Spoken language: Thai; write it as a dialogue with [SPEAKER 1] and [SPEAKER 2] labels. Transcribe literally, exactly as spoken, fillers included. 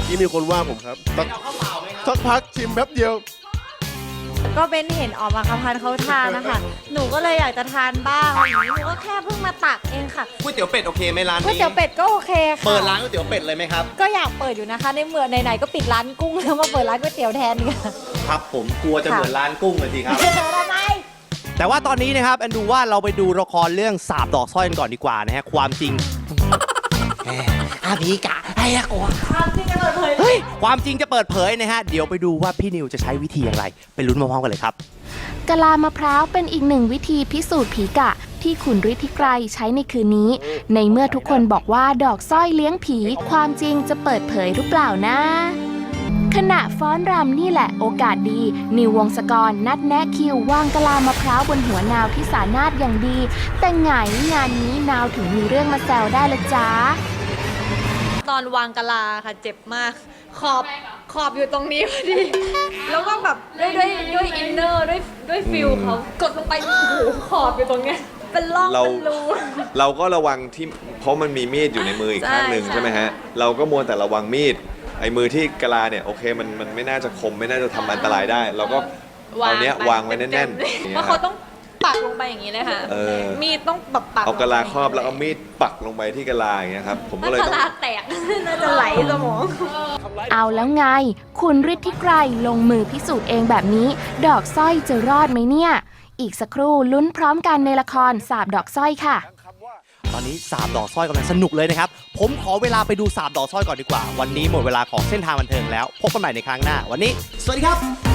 [SPEAKER 1] กี้มีคนว่าผมครับสักสักพักชิมแป๊บเดียว
[SPEAKER 2] ก็เป็นเห็นออกมาคำพันเขาทานนะคะหนูก็เลยอยากจะทานบ้างหนูก็แค่เพิ่งมาตักเองค่ะ
[SPEAKER 3] ก๋วยเตี๋ยวเป็ดโอเคไหมร้านนี้
[SPEAKER 2] ก๋วยเตี๋ยวเป็ดก็โอเคค่ะ
[SPEAKER 3] เปิดร้านก๋วยเตี๋ยวเป็ดเลยไหมครับ
[SPEAKER 2] ก็อยากเปิดอยู่นะคะในเมื่อไหนๆก็ปิดร้านกุ้งแล้วมาเปิดร้านก๋วยเตี๋ยวแทนค่ะ
[SPEAKER 3] ครับผมกลัวจะเหมือนร้านกุ้งเลยทีครับ
[SPEAKER 2] ทำไม
[SPEAKER 3] แต่ว่าตอนนี้นะครับแอนดูว่าเราไปดูละครเรื่องสาบดอกสร้อยกันก่อนดีกว่านะฮะความจริงอาพีกะไอ้ละกว่า
[SPEAKER 2] ความจริงจะเปิดเผย
[SPEAKER 3] เฮ้ยความจริงจะเปิดเผยนะฮะเดี๋ยวไปดูว่าพี่นิวจะใช้วิธีอย่างไรไปลุ้นพร้อมๆกันเลยครับ
[SPEAKER 4] กะลามะพร้าวเป็นอีกหนึ่งวิธีพิสูจน์ผีกะที่คุณฤทธิไกรใช้ในคืนนี้ในเมื่อทุกคนบอกว่าดอกสร้อยเลี้ยงผีความจริงจะเปิดเผยหรือเปล่านะขณะฟ้อนรำนี่แหละโอกาสดีนิววงศกรนัดแนะคิววางกะลามะพร้าวบนหัวนาวที่สานาทอย่างดีแต่ไงงานนี้นาวถึงมีเรื่องมาแซวได้ละจ้า
[SPEAKER 2] ตอนวางกะลาค่ะเจ็บมากขอบขอบอยู่ตรงนี้พอดีแล้วก็แบบด้วยด้วยด้วยอินเนอร์ด้วยด้วยฟิลเขากดลงไปโอ้โหขอบอยู่ตรงเนี้ยเป็นร่องเป็นรู
[SPEAKER 5] เราก็ระวังที่เพราะมันมีมีดอยู่ในมืออีกข้างหนึ่งใช่ไหมฮะเราก็มัวแต่ระวังมีดไอ้มือที่กะลาเนี่ยโอเคมันมันไม่น่าจะคมไม่น่าจะทำอันตรายได้เราก็เอาเนี้ยวางไว้แน่น
[SPEAKER 2] ๆเพราะเขาต้องปักลงไปอย่างนี้เลยค่ะมีดต้องแบบปัก
[SPEAKER 5] เอากะลาครอบแล้วเอามีดปักลงไปที่กะลาอย่างเงี้ยครับผมก็เลย
[SPEAKER 2] กะลาแตกน่าจะไหลสมอง
[SPEAKER 4] เอาแล้วไงคุณฤทธิไกรลงมือพิสูจน์เองแบบนี้ดอกสร้อยจะรอดไหมเนี่ยอีกสักครู่ลุ้นพร้อมกันในละครสาบดอกสร้อยค่ะ
[SPEAKER 3] ตอนนี้สาบดอกสร้อยกำลังสนุกเลยนะครับผมขอเวลาไปดูสาบดอกสร้อยก่อนดีกว่าวันนี้หมดเวลาของเส้นทางบันเทิงแล้วพบกันใหม่ในครั้งหน้าวันนี้สวัสดีครับ